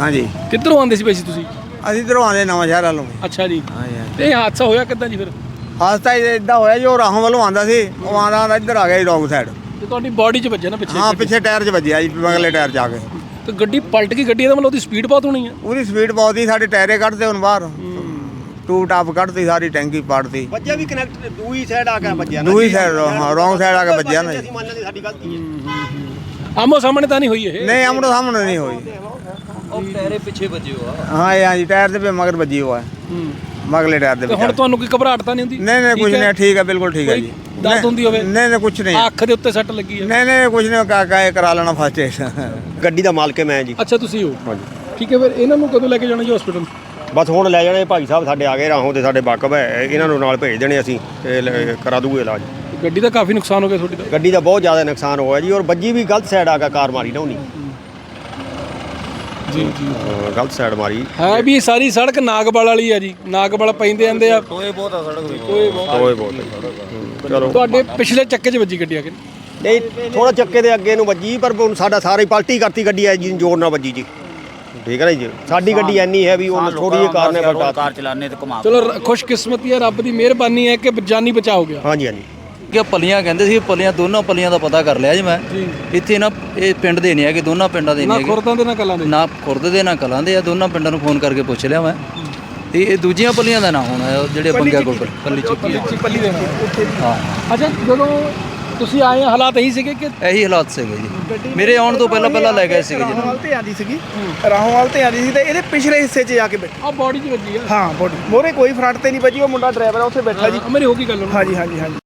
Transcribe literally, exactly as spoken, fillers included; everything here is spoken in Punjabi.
ਹਾਂਜੀ। ਕਿੱਧਰੋਂ ਆਉਂਦੇ ਸੀ ਵੈਸੇ ਤੁਸੀਂ? ਅਸੀਂ ਇੱਧਰੋਂ ਆਉਂਦੇ ਨਵਾਂ ਸ਼ਹਿਰ ਵੱਲੋਂ। ਅੱਛਾ ਜੀ। ਹਾਂਜੀ ਹਾਂਜੀ। ਤੇ ਇਹ ਹਾਦਸਾ ਹੋਇਆ ਕਿੱਦਾਂ ਜੀ ਫਿਰ? ਹਾਦਸਾ ਇਦਾਂ ਹੋਇਆ ਜੀ, ਉਹ ਰਾਹੋਂ ਵੱਲੋਂ ਆਉਂਦਾ ਸੀ, ਉਹ ਆਉਂਦਾ ਆਉਂਦਾ ਇੱਧਰ ਆ ਗਿਆ ਜੀ ਰੌਂਗ ਸਾਈਡ। ਤੇ ਤੁਹਾਡੀ ਬਾਡੀ 'ਚ ਵੱਜਿਆ ਨਾ ਪਿੱਛੇ? ਹਾਂ, ਪਿੱਛੇ ਟਾਇਰ 'ਚ ਵੱਜਿਆ ਜੀ, ਮਗਲੇ ਟਾਇਰ 'ਚ ਆ ਕੇ। ਤੇ ਗੱਡੀ ਪਲਟ ਗਈ ਗੱਡੀ ਦਾ ਮਤਲਬ ਉਹਦੀ ਸਪੀਡ ਬਹੁਤ ਹੋਣੀ ਆ। ਉਹਦੀ ਸਪੀਡ ਬਹੁਤ ਸੀ, ਸਾਡੇ ਟਾਇਰੇ ਕੱਢਦੇ ਹੁਣ ਬਾਹਰ, ਟੂ ਟਾਪ ਕੱਢਤੀ, ਸਾਰੀ ਟੈਂਕੀ ਪਾੜਤੀ। ਵੱਜਿਆ ਵੀ ਕਨੈਕਟ ਦੂਈ ਸਾਈਡ ਆ ਕੇ ਵੱਜਿਆ ਦੂਈ ਸਾਈਡ, ਹਾਂ ਰੌਂਗ ਸਾਈਡ ਆ ਕੇ ਵੱਜਿਆ ਨਾ ਜੀ। ਅਸੀਂ ਮੰਨ ਲੈਂਦੇ ਸਾਡੀ ਗਲਤੀ ਹੈ। ਆਮੋ ਸਾਹਮਣੇ ਤਾਂ ਨਹੀਂ ਹੋਈ ਇਹ? ਨਹੀਂ, ਆਮਣੋ ਸਾਹਮਣੇ ਨਹੀਂ ਹੋਈ। ਉਹ ਟਾਇਰੇ ਪਿੱਛੇ ਵੱਜੇ ਹੋ ਆ। ਹਾਂ ਇਹ ਹਾਂਜੀ, ਟਾਇਰ ਦੇ ਪੇ ਮਗਰ ਵੱਜੀ ਹੋਆ ਹੈ, ਮਗਲੇ ਟਾਇਰ ਦੇ ਤੇ ਵਿੱਚ। ਹੁਣ ਤੁਹਾਨੂੰ ਕੋਈ ਘਬਰਾਹਟ ਤਾਂ ਨਹੀਂ ਹੁੰਦੀ? ਨਹੀਂ ਨਹੀਂ, ਕੁਝ ਨਹੀਂ, ਠੀਕ ਹੈ, ਬਿਲਕੁਲ ਠੀਕ ਹੈ ਜੀ। ਦਰਦ ਹੁੰਦੀ ਹੋਵੇ? ਨਹੀਂ ਨਹੀਂ, ਕੁਝ ਨਹੀਂ। ਅੱਖ ਦੇ ਉੱਤੇ ਸੱਟ ਲੱਗੀ ਹੈ? ਨਹੀਂ ਨਹੀਂ, ਕੁਝ ਨਹੀਂ, ਕਾ ਕਾ ਕਰਾ ਲੈਣਾ ਫਸਟ ਏਡ। ਗੱਡੀ ਦਾ ਮਾਲਕ ਹੈ ਮੈਂ ਜੀ। ਅੱਛਾ, ਤੁਸੀਂ ਹੋ। ਹਾਂਜੀ। ਠੀਕ ਹੈ, ਫਿਰ ਇਹਨਾਂ ਨੂੰ ਕਦੋਂ ਲੈ ਕੇ ਜਾਣਾ ਜੀ ਹਸਪੀਟਲ? ਬਸ ਹੁਣ ਲੈ ਜਾਣੇ ਭਾਈ ਸਾਹਿਬ ਸਾਡੇ ਆ ਗਏ ਰਾਹੋਂ ਦੇ, ਸਾਡੇ ਵਾਕਫ ਹੈ, ਇਹਨਾਂ ਨੂੰ ਨਾਲ ਭੇਜ ਦੇਣੇ ਅਸੀਂ ਤੇ ਲੈ- ਕਰਾ ਦੂਗੇ ਇਲਾਜ। ਗੱਡੀ ਦਾ ਕਾਫੀ ਨੁਕਸਾਨ ਹੋ ਗਿਆ ਤੁਹਾਡੀ ਦਾ? ਗੱਡੀ ਦਾ ਬਹੁਤ ਜ਼ਿਆਦਾ ਨੁਕਸਾਨ ਹੋਇਆ ਜੀ, ਔਰ ਵੱਜੀ ਵੀ ਗਲਤ ਸਾਈਡ ਆ ਕੇ ਕਾਰ ਮਾਰੀ ਨਾ ਉਹਨੇ। ਜੀ ਜੀ। ਹਾਂ, ਗਲਤ ਸਾਈਡ ਮਾਰੀ। ਹੈ ਵੀ ਸਾਰੀ ਸੜਕ ਨਾਗਵਾਲ ਵਾਲੀ ਆ ਜੀ, ਨਾਗਵਾਲ ਪੈਂਦੇ ਜਾਂਦੇ ਆ। ਟੋਏ ਬਹੁਤ ਆ ਸੜਕ ਵਿੱਚ। ਟੋਏ ਬਹੁਤ। ਓਏ ਬਹੁਤ ਹੈ। ਚਲੋ ਤੁਹਾਡੇ ਪਿਛਲੇ ਚੱਕੇ 'ਚ ਵੱਜੀ ਗੱਡੀ ਆ ਕੇ? ਨਹੀਂ, ਥੋੜਾ ਚੱਕੇ ਦੇ ਅੱਗੇ ਨੂੰ ਵੱਜੀ, ਪਰ ਹੁਣ ਸਾਡਾ ਸਾਰੀ ਪਲਟੀ ਕਰਤੀ ਗੱਡੀ ਐ ਜੀ, ਜ਼ੋਰ ਨਾਲ ਵੱਜੀ ਜੀ। ਠੀਕ ਹੈ ਨਾ ਜੀ, ਸਾਡੀ ਗੱਡੀ ਐਨੀ ਹੈ ਵੀ ਉਹ ਥੋੜੀ ਜਿਹੀ ਕਾਰ ਨੇ ਪਲਟਾ। ਕਾਰ ਚਲਾਣੇ ਤੇ ਘੁਮਾ। ਚਲੋ ਰ- ਖੁਸ਼ਕਿਸਮਤੀ ਹੈ, ਰੱਬ ਦੀ ਮਿਹਰਬਾਨੀ ਹੈ ਕਿ ਜਾਨੀ ਬਚਾ ਹੋ ਗਿਆ। ਹਾਂਜੀ ਹਾਂਜੀ। ਕਿ ਪੱਲੀਆਂ ਕਹਿੰਦੇ ਸੀ, ਪੱਲੀਆਂ ਦੋਨੋਂ ਪੱਲੀਆਂ ਦਾ ਪਤਾ ਕਰ ਲਿਆ ਜੀ ਮੈਂ। ਇੱਥੇ ਨਾ ਇਹ ਪਿੰਡ ਦੇ ਨਹੀਂ ਹੈਗੇ, ਦੋਨਾਂ ਪਿੰਡਾਂ ਦੇ ਨਾ ਨਹੀਂ ਹੈਗੇ, ਖੁਰਦਾਂ ਦੇ ਨਾ ਕਲਾਂ ਦੇ। ਨਾ ਖੁਰਦ ਦੇ ਨਾ ਕਲਾਂ ਦੇ ਆ। ਦੋਨਾਂ ਪਿੰਡਾਂ ਨੂੰ ਫੋਨ ਕਰਕੇ ਪੁੱਛ ਲਿਆ ਮੈਂ, ਤੇ ਇਹ ਦੂਜੀਆਂ ਪੱਲੀਆਂ ਦਾ ਨਾ ਹੋਣਾ ਜਿਹੜੇ ਬੰਗਿਆ ਕੋਲ ਪੱਲੀ ਚੁੱਕੀ ਹੈ। ਪੱਲੀ ਦੇਣਾ ਹਾਂ, ਅੱਛਾ, ਜਦੋਂ ਤੁਸੀਂ ਆਏ ਹਾਲਾਤ ਇਹੀ ਸੀਗੇ ਕਿ? ਇਹੀ ਹਾਲਾਤ ਸੀਗੇ ਜੀ ਮੇਰੇ ਆਉਣ ਤੋਂ ਪਹਿਲਾਂ ਪਹਿਲਾਂ ਲੈ ਗਏ ਸੀਗੇ ਜੀ। ਰਾਹੋਂ ਵਾਲ ਤੇ ਆਂਦੀ ਸੀਗੀ, ਰਾਹੋਂ ਵਾਲ ਤੇ ਆਂਦੀ ਸੀ ਤੇ ਇਹਦੇ ਪਿਛਲੇ ਹਿੱਸੇ 'ਚ ਜਾ ਕੇ ਬੈਠੀ। ਆ ਬਾਡੀ 'ਚ ਵੱਜੀ ਆ? ਹਾਂ, ਬੋਡੀ ਮੋਰੇ ਕੋਈ ਫਰੰਟ ਤੇ ਨਹੀਂ ਵੱਜੀ, ਉਹ ਮੁੰਡਾ ਡਰਾਈਵਰ ਆ ਉੱਥੇ ਬੈਠਾ ਜੀ। ਮੇਰੀ ਹੋ ਗਈ ਗੱਲ ਉਹਨੂੰ। ਹਾਂਜੀ ਹਾਂਜੀ ਹਾਂਜੀ।